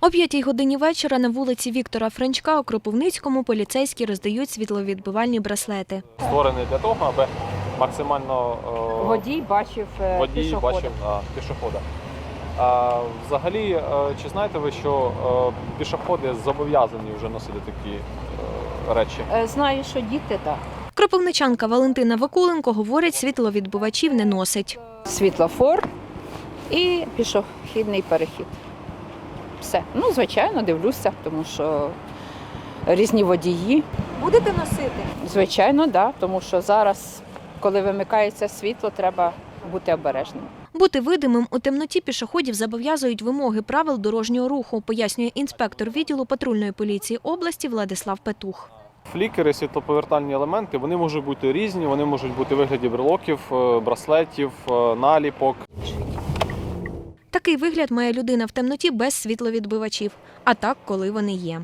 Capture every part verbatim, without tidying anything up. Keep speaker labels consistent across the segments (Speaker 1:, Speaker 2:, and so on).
Speaker 1: О п'ятій годині вечора на вулиці Віктора Франчка у Кропивницькому поліцейські роздають світловідбивальні браслети.
Speaker 2: Створений для того, аби максимально е,
Speaker 3: Водій бачив е,
Speaker 2: водій
Speaker 3: пішохода.
Speaker 2: бачив а, пішохода. А, взагалі, е, чи знаєте ви, що е, пішоходи зобов'язані вже носити такі е, речі?
Speaker 3: Е, Знаю, що діти так.
Speaker 1: Кропивничанка Валентина Вакуленко говорить, світловідбивачів не носить.
Speaker 3: Світлофор і пішохідний перехід. Все. Ну, звичайно, дивлюся, тому що різні водії.
Speaker 1: Будете носити?
Speaker 3: Звичайно, так, да, тому що зараз, коли вимикається світло, треба бути обережним.
Speaker 1: Бути видимим у темноті пішоходів зобов'язують вимоги правил дорожнього руху, пояснює інспектор відділу патрульної поліції області Владислав Петух.
Speaker 2: Флікери, світлоповертальні елементи, вони можуть бути різні, вони можуть бути у вигляді брелоків, е, браслетів, е, наліпок.
Speaker 1: Такий вигляд має людина в темноті без світловідбивачів, а так, коли вони є.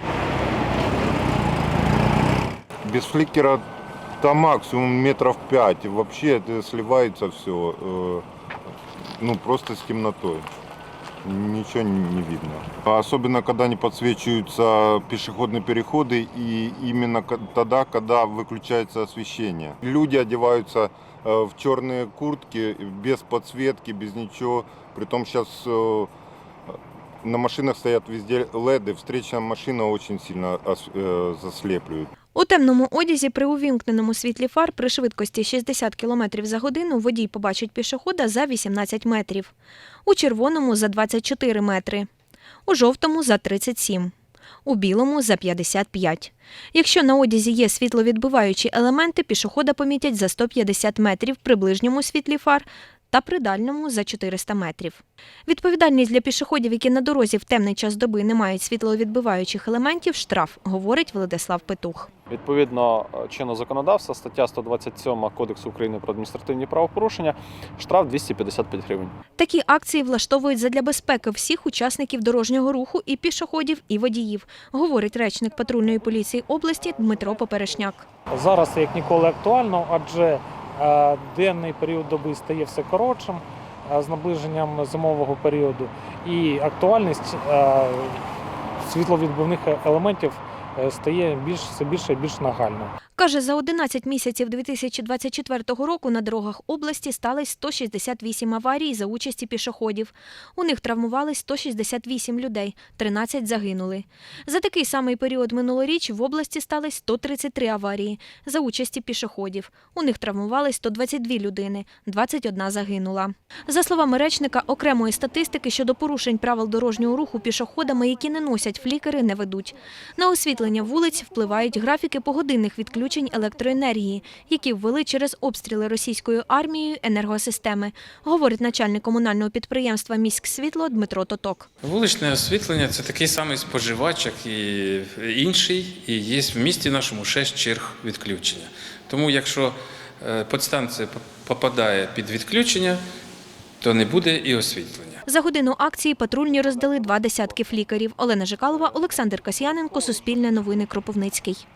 Speaker 4: Без фликера там максимум метров пять. Вообще это сливается все. э, Ну, просто с темнотой. Ничего не видно. Особенно, когда не подсвечиваются пешеходные переходы и именно ко- тогда, когда выключается освещение. Люди одеваются э, в черные куртки, без подсветки, без ничего. Притом сейчас э, на машинах стоят везде леды. Встречная машина очень сильно ос- э, заслепляют.
Speaker 1: У темному одязі при увімкненому світлі фар при швидкості шістдесят кілометрів за годину водій побачить пішохода за вісімнадцять метрів, у червоному – за двадцять чотири метри, у жовтому – за тридцять сім, у білому – за п'ятдесят п'ять. Якщо на одязі є світловідбиваючі елементи, пішохода помітять за сто п'ятдесят метрів при ближньому світлі фар та при дальньому – за чотириста метрів. Відповідальність для пішоходів, які на дорозі в темний час доби не мають світловідбиваючих елементів – штраф, говорить Владислав Петух.
Speaker 2: Відповідно чинного законодавства, стаття сто двадцять сім Кодексу України про адміністративні правопорушення, штраф двісті п'ятдесят п'ять гривень.
Speaker 1: Такі акції влаштовують задля безпеки всіх учасників дорожнього руху і пішоходів, і водіїв, говорить речник патрульної поліції області Дмитро Поперешняк.
Speaker 5: Зараз як ніколи актуально, адже е, денний період доби стає все коротшим е, з наближенням зимового періоду, і актуальність е, світловідбивних елементів е, стає більш, все більше і більш нагальною.
Speaker 1: Каже, за одинадцять місяців дві тисячі двадцять четвертого року на дорогах області сталося сто шістдесят вісім аварій за участі пішоходів. У них травмувались сто шістдесят вісім людей, тринадцять загинули. За такий самий період минулоріч в області сталося сто тридцять три аварії за участі пішоходів. У них травмувались сто двадцять дві людини, двадцять одна загинула. За словами речника, окремої статистики щодо порушень правил дорожнього руху пішоходами, які не носять флікери, не ведуть. На освітлення вулиць впливають графіки погодинних відключень електроенергії, які ввели через обстріли російською армією енергосистеми, говорить начальник комунального підприємства «Міськсвітло» Дмитро Тоток.
Speaker 6: Вуличне освітлення – це такий самий споживач, як і інший, і є в місті нашому шість черг відключення. Тому якщо підстанція попадає під відключення, то не буде і освітлення.
Speaker 1: За годину акції патрульні роздали два десятки флікерів. Олена Жикалова, Олександр Касьяненко, Суспільне новини, Кропивницький.